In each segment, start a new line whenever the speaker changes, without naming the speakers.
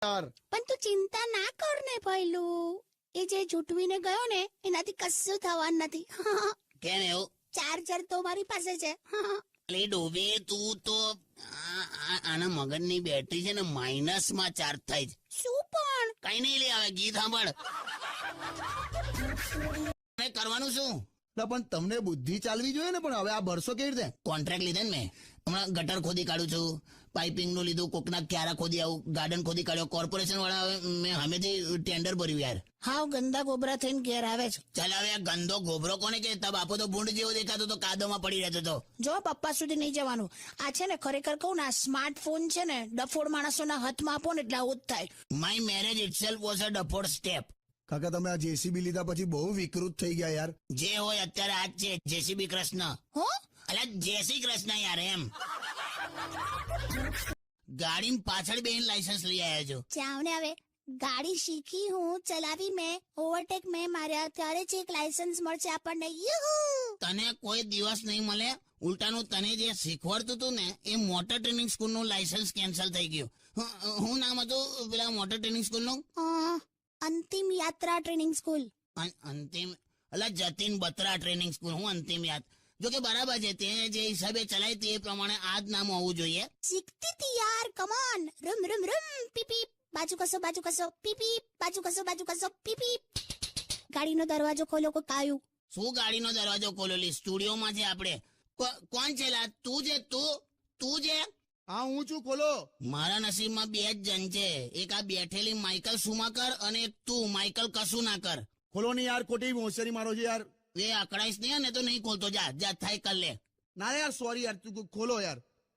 યાર.
પણ તું ચિંતા ના કર ને ભઈલું, એ જે જૂટવીને ગયો ને એનાથી કશું થવાનું નથી.
કેમ એવું?
ચાર્જર તો મારી પાસે છે.
એટલે ડોબે તું તો આના મગજની બેટરી છે ને માઇનસમાં ચાર્જ થાય છે.
શું પણ
કઈ નહીં લે, હવે ગીત સાંભળ. કરવાનું શું?
પણ તમને બુદ્ધિ ચાલવી જોઈએ ને. પણ હવે આ ભરસો કેવી રીતે?
કોન્ટ્રાક્ટ લીધા ને મેં. હમણાં ગટર ખોદી કાઢું છું, પાઇપિંગ નું લીધું, કોકના ક્યારા ખોદી આવું, ગાર્ડન ખોદી કાઢ્યો. કોર્પોરેશન વાળા મેં હમેથી ટેન્ડર ભર્યું યાર.
હાવ ગંદા ગોબરા થઈને ઘેર આવે છે.
ચાલ હવે આ ગંદો ગોબરો કોને કે? તા બાપો તો ભૂંડ જેવો દેખાતો તો, કાદોમાં પડી રહેતો તો.
જો પપ્પા સુધી નહીં જવાનું. આ છે ને ખરેખર કહું ને, આ સ્માર્ટફોન છે ને ડફોડ માણસોના હાથમાં આપો ને એટલે આવું જ થાય.
My marriage itself was a daft step.
કાકા તમે આ જેસીબી લીધા પછી બહુ વિકૃત થઈ ગયા યાર.
જે હોય અત્યારે આજ છે જેસીબી કૃષ્ણ.
હો
અલા જય શ્રી કૃષ્ણ યાર. એમ ગાડી પાછળ બેન લાયસન્સ લઈ આવ્યા છો.
જાવ ને હવે. ગાડી શીખી હું, ચલાવી મેં, ઓવરટેક મેં માર્યા, ત્યારે જ એક લાયસન્સ મળશે આપણને.
તને કોઈ દિવસ નહીં મળે. ઉલટાનું તને જે શીખવાડતું હતું ને એ મોટર ટ્રેનિંગ સ્કૂલ નું લાયસન્સ કેન્સલ થઈ ગયું. હું નામ હતું પેલા મોટર ટ્રેનિંગ સ્કૂલ નું?
અંતિમ યાત્રા ટ્રેનિંગ સ્કૂલ.
અંતિમ અલા જતીન બત્રા ટ્રેનિંગ સ્કૂલ. હું અંતિમ યાદ. જો કે બરાબર છે, તે જે હિસાબે ચલાય તે પ્રમાણે આ જ નામ હોવું જોઈએ.
શીખતી હતી યાર. કમોન. રૂમ રૂમ રૂમ પીપી. બાજુ કસો પીપી. બાજુ કસો પીપી. ગાડીનો દરવાજો ખોલો. કોઈ કાયું?
શું ગાડીનો દરવાજો ખોલેલી? સ્ટુડિયોમાં છે આપણે. કોણ છે લા? તું છે? તું છે?
હા હું છું. ખોલો.
મારા નસીબમાં બે જ જણ છે. એક આ બેઠેલી માઇકલ સુમાકર અને એક તું માઇકલ કશું ના કર.
ખોલો ને યાર, ખોટી હોશિયારી મારો છે યાર.
એ અકળાઈશ નહીં ને તો નહીં ખોલતો. જા થાય કર લે.
ના યાર સોરી યાર, તું ખોલો યાર.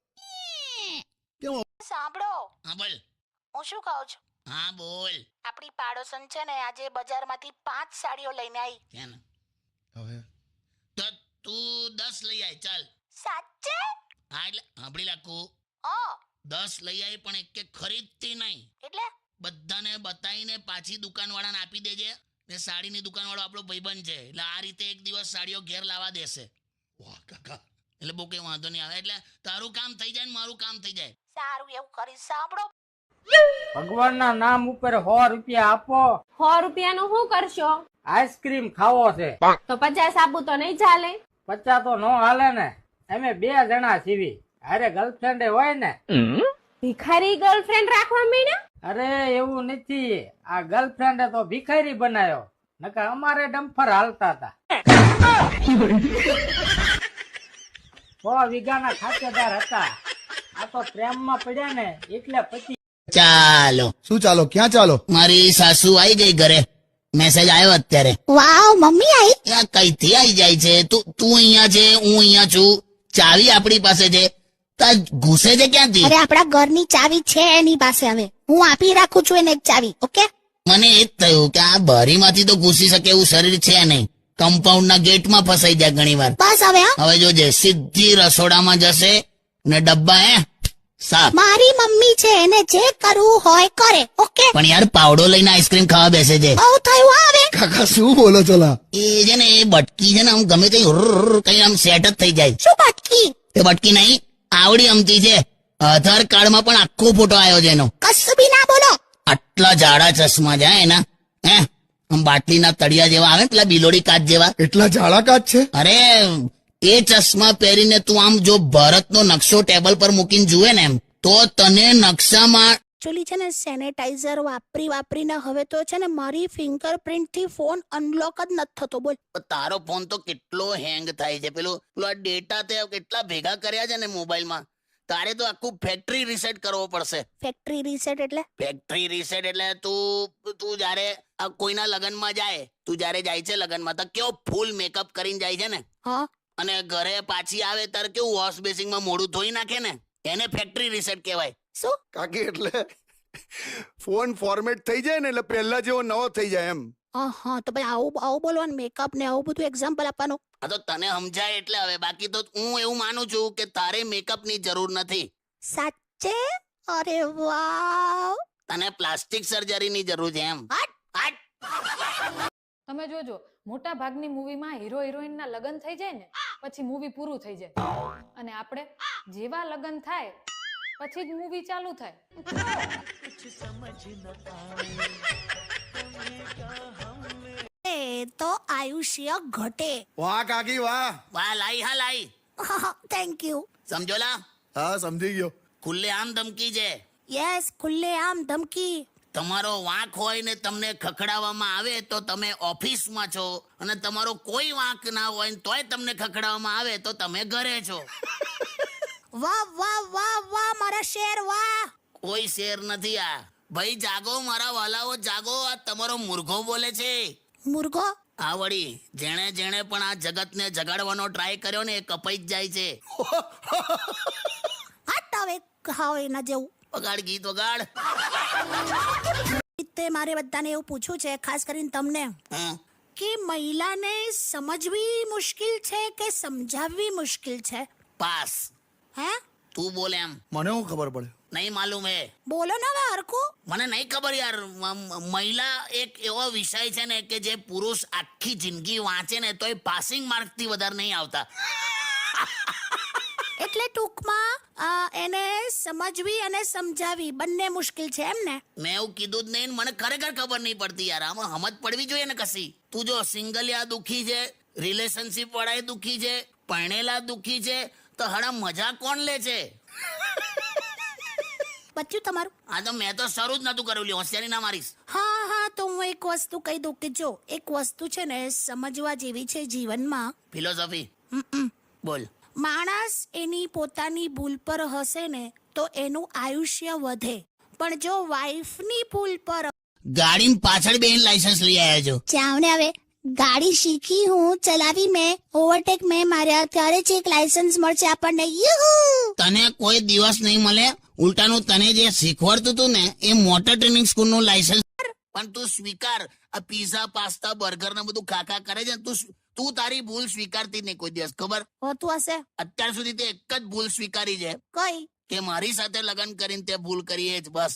સાંભળો.
હા બોલ.
હું શું કહું છું?
હા બોલ.
આપણી પાડોશન છે ને આજે બજારમાંથી 5 સાડીઓ લઈને આવી.
કેમ?
હવે
તો તું 10 લઈ આય. ચાલ.
સાચે?
હા એટલે સાંભળી લાખું. 10 લઈ આવી પણ એક ખરીદતી નહીં.
એટલે
બધાને બતાવીને પાછી દુકાનવાળાને આપી દેજે. ને સાડીની દુકાનવાળો આપણો ભાઈબંધ છે એટલે આ રીતે એક દિવસ સાડીઓ ઘેર લાવવા દેશે.
વાહ કાકા.
એટલે બહુ કઈ વાંધો નહીં આવે. એટલે તારું કામ થઈ જાય ને મારું કામ થઈ જાય.
સારું એવું કરીશ. સાંભળો.
ભગવાનના નામ ઉપર 100 રૂપિયા આપો.
100 રૂપિયાનું શું કરશો?
આઈસ્ક્રીમ ખાવો છે.
તો 50 આપું તો નહીં ચાલે?
50 તો નો હાલે ને. અમે 2 જણા સીવી. અરે ગર્લફ્રેન્ડ હોય ને.
ભિખારી ગર્લફ્રેન્ડ રાખવા માંડ્યા?
અરે એવું નથી. આ ગર્લફ્રેન્ડે તો ભિખારી બનાવ્યો. નકર અમારે ડમ્ફર હાલતા હતા. 100 વીઘાના ખાતેદાર હતા. આ તો પ્રેમમાં પડ્યા ને એટલે પછી.
ચાલો.
શું ચાલો? ક્યાં ચાલો?
મારી સાસુ આવી ગઈ ઘરે. મેસેજ આવ્યો અત્યારે.
વાવ, મમ્મી આવી.
આ કઈથી આવી જાય છે? તું અહીંયા છે, હું અહીંયા છું. ચાવી આપણી પાસે છે. તા ઘૂસે છે ક્યાંથી?
અરે આપણા ઘરની ચાવી છે એની પાસે. હવે હું આપી રાખું છું એને એક ચાવી. ઓકે.
મને એ જ થયું કે આ બારીમાંથી તો ઘૂસી શકે એવું શરીર છે નહીં. કમ્પાઉન્ડના ગેટમાં ફસાઈ જાય ઘણી વાર.
બસ હવે.
હવે જોજે સીધી રસોડામાં જશે ને ડબ્બા સાફ.
મારી મમ્મી છે, એને જે કરવું હોય કરે. ઓકે.
પણ યાર પાવડો લઈને આઈસ્ક્રીમ ખાવા બેસે છે.
બહુ થયું આવે.
કાકા શું બોલો છો લા?
એ છે ને એ બટકી છે ને આમ ગમે કઈ આમ સેટ જ થઈ જાય.
શું બટકી?
એ બટકી નહીં, આવડી અમતી છે. આધાર કાર્ડમાં પણ આખો ફોટો આવ્યો છે એનો.
કશું બી ના બોલો.
આટલા જાડા ચશ્મા છે એના. આમ બાટલીના તળિયા જેવા આવે પેલા બિલોડી કાચ જેવા.
એટલા જાડા કાચ છે?
અરે એ ચશ્મા પહેરીને તું આમ જો ભારતનો નકશો ટેબલ પર મૂકીને જુએ ને એમ તો તને નકશામાં.
એકચ્યુઅલી છે ને સેનેટાઈઝર વાપરીને હવે તો છે ને મારી ફિંગરપ્રિન્ટ થી ફોન અનલોક જ નથી થતો. બોલ.
તારો ફોન તો કેટલો હેંગ થાય છે. પેલો ડેટા તે કેટલા ભેગા કર્યા છે ને મોબાઈલમાં. તારે તો આખું ફેક્ટરી રીસેટ કરવો પડશે.
ફેક્ટરી રીસેટ એટલે?
ફેક્ટરી રીસેટ એટલે તું જયારે કોઈના લગ્નમાં જાય, તું જયારે જાય છે લગ્નમાં તો કેવો ફૂલ મેકઅપ કરીને જાય છે ને.
હા.
અને ઘરે પાછી આવે ત્યારે કેવું વોશ બેસિંગમાં મોઢું ધોઈ નાખે ને, એને ફેક્ટરી રીસેટ કહેવાય.
શું?
કાકી એટલે ફોન ફોર્મેટ થઈ જાય ને એટલે પહેલા જેવો નવો થઈ જાય એમ.
હા તો ભાઈ આવું બોલવાનું, મેકઅપ ને આવું બધું એક્ઝામ્પલ આપવાનું.
આ તો તને સમજાય એટલે હવે. બાકી તો હું એવું માનું છું કે તારે મેકઅપ ની જરૂર નથી.
સાચે? અરે વાવ.
તને પ્લાસ્ટિક સર્જરી ની જરૂર છે એમ.
તમે જોજો મોટા ભાગની મૂવીમાં હીરો હિરોઈન ના લગ્ન થઈ જાય ને પછી મૂવી પૂરું થઈ જાય અને આપણે જેવા લગ્ન થાય પછી જ મૂવી ચાલુ થાય.
એ તો આયુષ્ય ઘટે.
વાહ કાકી વાહ.
વાહ લાઈ હા લાઈ
થેન્ક યુ.
સમજોલા
હા સમજી ગયો.
ખુલ્લે આમ ધમકી છે.
યસ, ખુલ્લે આમ ધમકી.
તમારો વાંક હોય ને તમને ખખડાવવામાં આવે તો તમે ઓફિસમાં છો, અને તમારો કોઈ વાંક ના હોય ને તોય તમને ખખડાવવામાં આવે તો તમે ઘરે છો.
વાહ વાહ વાહ વાહ મારા શેર વાહ.
કોઈ શેર નથી આ. ભાઈ જાગો મારા વાલાઓ જાગો, આ તમારો મુર્ગો બોલે છે.
મુર્ગો.
આ વળી જેણે જેણે પણ આ જગતને જગાડવાનો ટ્રાય કર્યો ને એ કપાઈ જ જાય છે.
હટ હવે ખાઓ એના જેવું.
વગાડ ગીત વગાડ.
તે મારે બધાને એવું પૂછવું છે, ખાસ કરીને તમને,
હા,
કે મહિલાને સમજવી મુશ્કેલ છે કે સમજાવવી મુશ્કેલ છે?
પાસ.
હે?
તું બોલ એમ.
મને શું ખબર પડે?
નહીં માલુમ હે.
બોલો ને હવે હરખું.
મને નહીં ખબર યાર. મહિલા એક એવો વિષય છે ને કે જે પુરુષ આખી જિંદગી વાંચે ને તોય પાસિંગ માર્કથી વધારે નહીં આવતા.
એટલે ટૂંકમાં એને સમજવી અને સમજાવી બંને મુશ્કેલ છે એમ ને?
મેં એવું કીધું જ નહીં ને મને ખરેખર ખબર નહીં પડતી યાર. આમાં સમજ પડવી જોઈએ ને કશી. તું જો સિંગલિયા દુખી છે, રિલેશનશિપ વાળા દુખી છે, પરણેલા દુખી છે, તો હડા મજા કોણ લે છે?
બચ્યું તમારું?
આ તો મેં તો શરૂ જ નતું કર્યું. હોશિયારી ના મારીશ.
હા તો હું એક વસ્તુ કહી દઉં કે જો એક વસ્તુ છે ને સમજવા જેવી છે જીવનમાં.
ફિલોસોફી બોલ.
માણસ એની પોતાની ભૂલ પર હશે ને તો એનું આયુષ્ય વધે, પણ જો વાઈફની ભૂલ પર.
ગાડી પાછળ બેન લાયસન્સ લઈ આવ્યા છો.
જાવ ને હવે. ગાડી શીખી હું, ચલાવી મેં, ઓવરટેક મેં માર્યા, ત્યારે જ એક લાયસન્સ મળશે આપણને. યુહુ!
તને કોઈ દિવસ નહીં મળે. ઉલટાનું તને જે શીખવાડતું હતું ને એ મોટર ટ્રેનિંગ સ્કૂલ નું લાયસન્સ. પણ તું સ્વીકાર. આ પીઝા પાસ્તા બર્ગર ને બધું ખાખા કરે છે. તું તારી ભૂલ સ્વીકારતી જ નહીં કોઈ દિવસ. ખબર
હોતું હશે.
અત્યાર સુધી તે એક જ ભૂલ સ્વીકારી છે
કઈ?
કે મારી સાથે લગ્ન કરીને તે ભૂલ કરી એ જ બસ.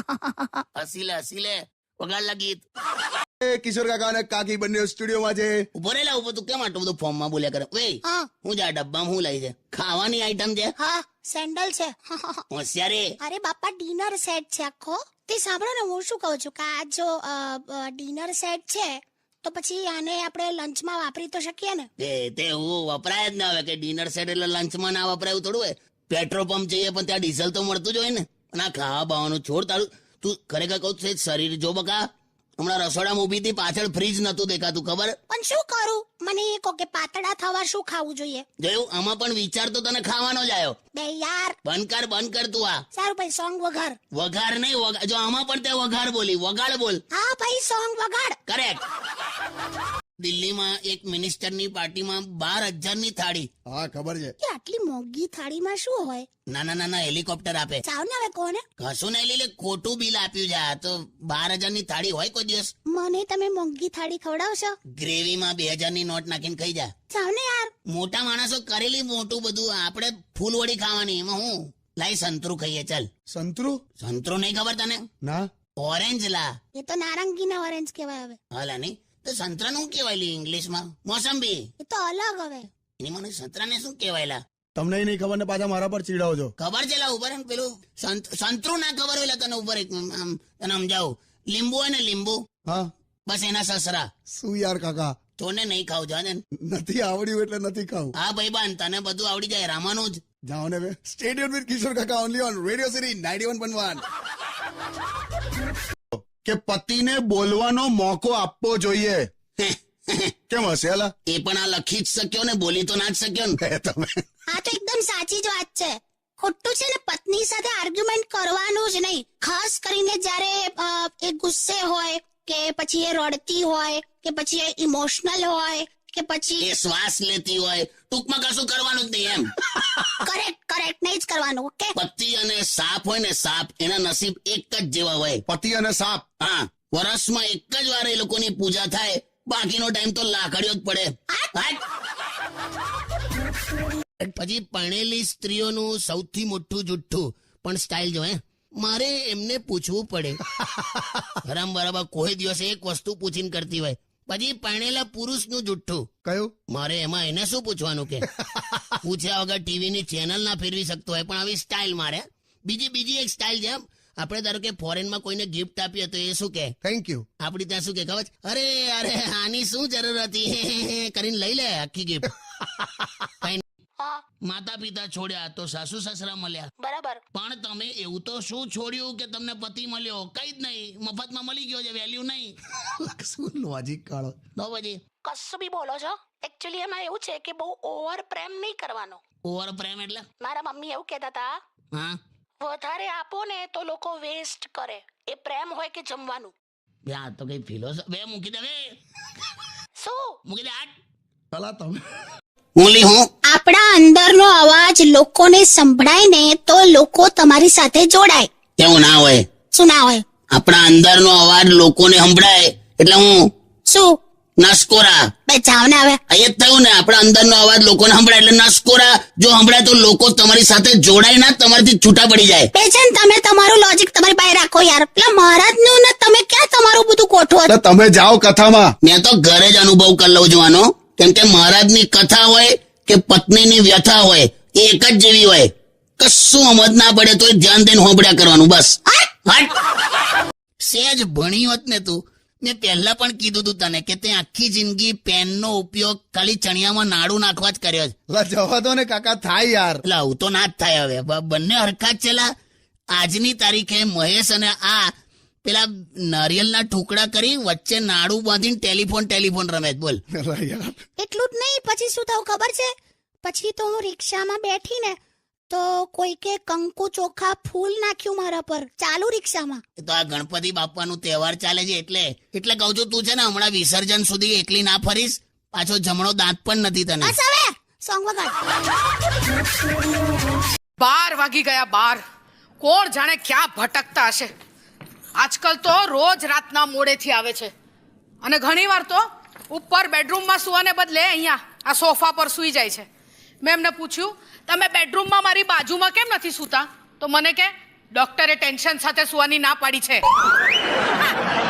હસી લે વગાડ ગીત.
એ કિશોર કાકા અને કાકી બંને સ્ટુડિયોમાં છે.
ઉભો રેલા ઉભો. તું કેમ આટલું બધું ફોર્મમાં બોલ્યા કરે? વે
હા
હું જા ડબ્બામાં હું લઈ છે? ખાવાની આઈટમ છે.
હા સેન્ડલ છે.
હોશિયારી.
અરે બાપા ડિનર સેટ છે આખો. તે સાંભળો ને હું શું કહું છું કે આ જો ડિનર સેટ છે તો પછી આને આપણે લંચમાં વાપરી તો શકીએ ને?
તે હું વપરાય જ ના આવે કે ડિનર સેટ એટલે લંચમાં ના વપરાયું થોડું હોય. પેટ્રોલ પંપ જઈએ પણ ત્યાં ડીઝલ તો મળતું જ હોય ને. અને આ ખાવા બાવાનું છોડ તારું. તું ખરેખર કહું છે શરીર જો બકા. હમણાં રસોડામાં ઊભી હતી, પાછળ ફ્રીજ નતું દેખાતું. ખબર?
પણ શું કરું? મને એ કહો કે પાતળા થવા શું ખાવું જોઈએ?
જોયું? આમાં પણ વિચાર તો તને ખાવાનો જ આવ્યો.
બે યાર.
બંધ કર તું આ.
સારું ભાઈ સોંગ વગાડ.
વઘાર નહીં જો આમાં પણ તે વઘાર બોલી. વગાડ બોલ.
હા ભાઈ સોંગ વગાડ.
કરેક્ટ. દિલ્હીમાં એક મિનિસ્ટરની પાર્ટીમાં 12,000 ની થાળી.
હા ખબર છે.
કે આટલી મોંઘી થાળીમાં શું હોય?
નાના હેલિકોપ્ટર આપે.
ચાવ ને હવે કોને?
કશું નહીં લીલે ખોટું બિલ આપ્યું છે. આ તો 12,000 ની થાળી હોય કોઈ દિવસ?
મને તમે મોંઘી થાળી ખવડાવશો?
ગ્રેવીમાં 2,000 ની નોટ નાખીને ખાઈ જા.
ચાવ ને યાર.
મોટા માણસો કરેલી મોટું બધું. આપણે ફૂલવડી ખાવાની. એમાં હું લાઈ સંતરું ખાઈએ. ચાલ.
સંતરું?
સંતરું નહીં ખબર તને?
ના.
ઓરેન્જ લા.
એ તો નારંગી ના ઓરેન્જ કહેવાય હવે.
હાલા નહીં તો સંતરાનું શું કહેવાય લી ઇંગ્લિશમાં? મોસંબી.
એ તો અલગ હવે.
એની મને સંતરાને શું કહેવાય લા?
તમને નહીં ખબર ને પાછા મારા પર ચીડાવો છો.
ખબર છે લા ઉપર પેલું સંતરું ના ખબર હોય તને ઉપર એક આમ તને સમજાવું. લીંબુ હોય ને લીંબુ.
હા
બસ એના સસરા.
શું યાર કાકા?
તોને નહીં ખાવ જા ને.
નથી આવડ્યું એટલે નથી ખાવું.
હા ભાઈ બાન તને બધું આવડી જાય. રામાનું જ.
જાઓ ને બે. સ્ટેડિયમ વિથ કિશોર કાકા ઓનલી ઓન રેડિયો સિટી 91.1. કે પતિને બોલવાનો મોકો આપવો જોઈએ. કેમ હશે અલા?
એ પણ આ લખી જ શક્યો ને બોલી તો ના જ શક્યો ને.
તમે
હા તો એકદમ સાચી જ વાત છે. ખોટું છે ને પત્ની સાથે આર્ગ્યુમેન્ટ કરવાનું જ નહીં. ખાસ કરીને જ્યારે એ ગુસ્સે હોય કે પછી એ રડતી હોય કે પછી એ ઇમોશનલ હોય કે પછી
એ શ્વાસ લેતી હોય. ટૂંકમાં કશું કરવાનું જ નહીં એમ.
કરેક્ટ નહીં જ કરવાનું. ઓકે.
પતિ અને સાપ હોય ને સાપ એના નસીબ એક જ જેવા હોય.
પતિ અને સાપ.
હા વર્ષમાં એક જ વાર એ લોકોની પૂજા થાય. બાકીનો ટાઈમ તો લાકડીઓ જ પડે. પછી પરણેલી સ્ત્રીઓનું સૌથી મોટું જુઠ્ઠું પણ સ્ટાઇલ જો. મારે એમને પૂછવું પડે. હરામ બરાબર કોઈ દિવસ એક વસ્તુ પૂછીને કરતી હોય. પછી પરણેલા પુરુષનું જુઠ્ઠું.
કયું?
મારે એમાં એને શું પૂછવાનું કે પૂછ્યા વગર ટીવી ની ચેનલ ના ફેરવી શકતો હોય. પણ આવી સ્ટાઇલ મારે. બીજી એક સ્ટાઇલ છે. આપણે ધારો કે ફોરેનમાં કોઈને ગિફ્ટ આપીએ તો એ શું કે
થેન્ક યુ.
આપડી ત્યાં શું કે ખબર છે? અરે અરે આની શું જરૂર હતી કરીને લઈ લે આખી ગિફ્ટ.
હા
માતા પિતા છોડ્યા તો સાસુ સસરા મળ્યા,
બરાબર.
પણ તમે એવું તો શું છોડ્યું કે તમને પતિ મળ્યો? કઈ જ નહીં, મફતમાં મળી ગયો છે, વેલ્યુ નહીં.
શું લોજિક કાઢો.
તો પછી
કશું બી બોલો છો. એકચ્યુઅલી એમાં એવું છે કે બહુ ઓવર પ્રેમ નહીં કરવાનો.
ઓવર પ્રેમ એટલે?
મારા મમ્મી એવું કહેતા હતા,
હા
વધારે આપો ને તો લોકો વેસ્ટ કરે. એ પ્રેમ હોય કે જમવાનું.
બે આ તો કઈ ફિલોસોફી. બે મૂકી દે, બે
શું
મૂકી દે આટ.
પેલા તમે
ઓલી હું
આપણા અંદરનો અવાજ લોકોને સંભળાય ને તો લોકો તમારી સાથે જોડાય.
એવું ના હોય.
શું ના હોય?
આપણા અંદરનો અવાજ લોકોને સંભળાય એટલે હું
શું?
નસકોરા.
બે જાવ ને હવે.
એ જ થયું ને, આપણા અંદરનો અવાજ લોકોને સંભળાય એટલે નસકોરા. જો સંભળાય તો લોકો તમારી સાથે જોડાય ના, તમારાથી છૂટા પડી જાય.
બેચન તમે તમારું લોજિક તમારી પાસે રાખો યાર. પેલા મહારાજનું ને તમે ક્યાં તમારું બધું ગોઠવો છો?
એટલે તમે જાઓ કથામાં.
મેં તો ઘરે જ અનુભવ કરી લઉં છું આનો. કેમ કે મહારાજની કથા હોય કે પત્નીની વ્યથા હોય એ એક જ જેવી હોય. કશું સમજ ના પડે તો ધ્યાન દઈને હોંભળ્યા કરવાનું બસ. હટ! સહેજ ભણી હોત ને તું, મેં પહેલા પણ કીધું તું તને કે તે આખી જિંદગી પેનનો ઉપયોગ ખાલી ચણિયામાં નાડું નાખવા જ કર્યો છે.
એટલે જવા દો ને કાકા, થાય યાર.
એટલે આવું તો ના જ થાય હવે. બંને હરખા જ છેલા. આજની તારીખે મહેશ અને આ પેલા નારિયેલના ટુકડા કરી વચ્ચે નાડું બાંધીને ટેલિફોન રમે છે. બોલ.
એટલે યાર
એટલું જ નહીં, પછી શું થયું ખબર છે? પછી તો હું રિક્ષામાં બેઠી ને તો કોઈકે કંકુ ચોખા ફૂલ નાખ્યું મારા પર ચાલુ રિક્ષામાં.
એ તો આ ગણપતિ બાપાનું તહેવાર ચાલે છે એટલે કહું છું, તું છે ને હમણાં વિસર્જન સુધી એકલી ના ફરીશ. પાછો જમણો દાંત પણ નથી તને.
બસ હવે સોંગ વગાડ.
12 વાગી ગયા. 12 કોણ જાણે ક્યાં ભટકતા હશે. આજકાલ તો રોજ રાતના મોડેથી આવે છે અને ઘણીવાર તો ઉપર બેડરૂમમાં સુવાને બદલે અહીંયા આ સોફા પર સૂઈ જાય છે. મેં એમને પૂછ્યું, તમે બેડરૂમમાં મારી બાજુમાં કેમ નથી સૂતા? તો મને કે ડોક્ટરે ટેન્શન સાથે સુવાની ના પાડી છે.